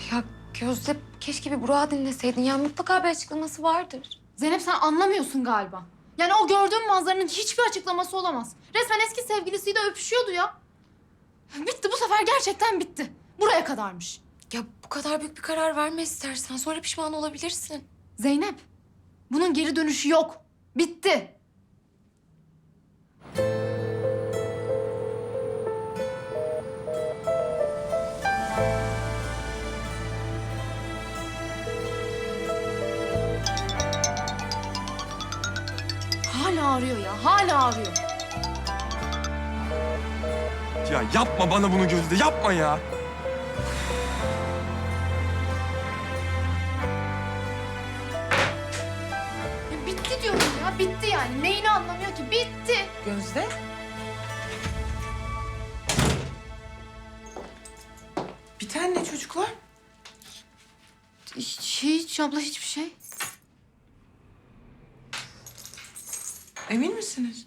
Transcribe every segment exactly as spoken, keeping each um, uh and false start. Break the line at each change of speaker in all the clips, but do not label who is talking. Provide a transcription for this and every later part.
Ya Gözde keşke bir Burak'ı dinleseydin. Ya mutlaka bir açıklaması vardır.
Zeynep sen anlamıyorsun galiba. Yani o gördüğüm manzaranın hiçbir açıklaması olamaz. Resmen eski sevgilisiyle öpüşüyordu ya. Bitti bu sefer gerçekten bitti. Buraya kadarmış.
Ya bu kadar büyük bir karar verme istersen. Sonra pişman olabilirsin.
Zeynep, bunun geri dönüşü yok. Bitti. Hala arıyor ya, hala arıyor.
Ya yapma bana bunu Gözde, yapma ya.
Ya bitti diyorum ya, bitti yani. Neyini anlamıyor ki? Bitti.
Gözde. Biten ne çocuklar?
Hiç, hiç abla hiçbir şey.
Emin misiniz?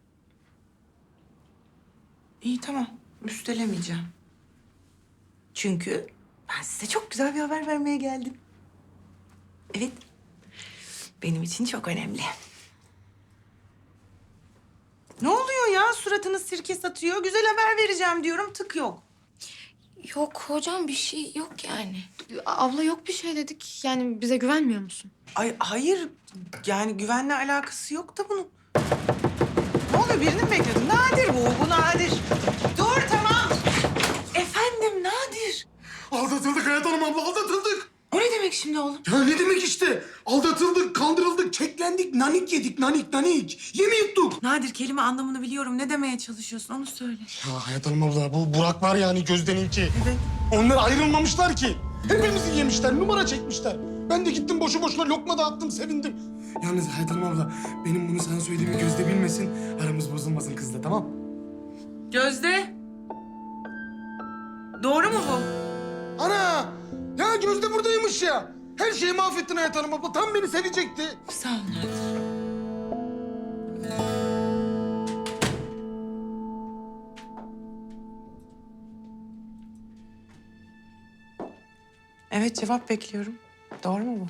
İyi tamam. Üstelemeyeceğim. Çünkü ben size çok güzel bir haber vermeye geldim. Evet. Benim için çok önemli. Ne oluyor ya? Suratınız sirke satıyor. Güzel haber vereceğim diyorum. Tık yok.
Yok hocam bir şey yok yani.
Abla yok bir şey dedik. Yani bize güvenmiyor musun?
Ay hayır. Yani güvenle alakası yok da bunun. Ne oluyor? Birini mi bekliyordun? Nadir bu. Bu Nadir. Dur tamam. Efendim Nadir.
Aldatıldık Hayat Hanım abla, aldatıldık.
O ne demek şimdi oğlum?
Ya ne demek işte? Aldatıldık, kandırıldık, keklendik, nanik yedik, nanik nanik. Yemi yuttuk.
Nadir kelime anlamını biliyorum. Ne demeye çalışıyorsun onu söyle.
Ya Hayat Hanım abla, bu Burak var yani Gözde'ninki.
Evet.
Onlar ayrılmamışlar ki. Hepimizi yemişler, numara çekmişler. Ben de gittim boşu boşuna lokma dağıttım, sevindim. Yalnız Hayat Hanım abla, benim bunu sana söylediğimi Gözde bilmesin. Aramız bozulmasın kızla, tamam?
Gözde. Doğru mu bu?
Ana! Ya Gözde buradaymış ya. Her şeyi mahvettin Hayat Hanım abla. Tam beni sevecekti.
Sağ ol Nadir. Evet cevap bekliyorum. Doğru mu bu?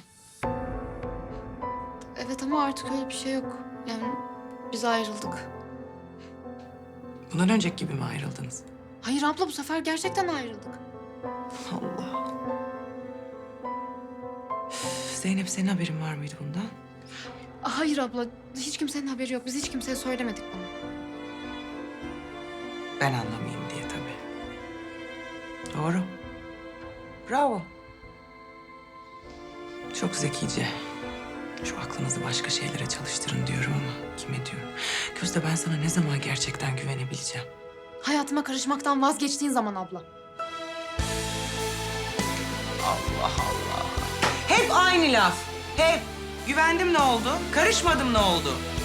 Evet ama artık öyle bir şey yok. Yani biz ayrıldık.
Bundan önceki gibi mi ayrıldınız?
Hayır abla bu sefer gerçekten ayrıldık.
Allah. Üf, Zeynep senin haberin var mıydı bundan?
Hayır abla hiç kimsenin haberi yok. Biz hiç kimseye söylemedik bunu.
Ben anlamayayım diye tabii. Doğru. Bravo. Çok zekice. Şu aklınızı başka şeylere çalıştırın diyorum ama kime diyorum? Gözde ben sana ne zaman gerçekten güvenebileceğim?
Hayatıma karışmaktan vazgeçtiğin zaman abla.
Allah Allah. Hep aynı laf. Hep. Güvendim ne oldu? Karışmadım ne oldu?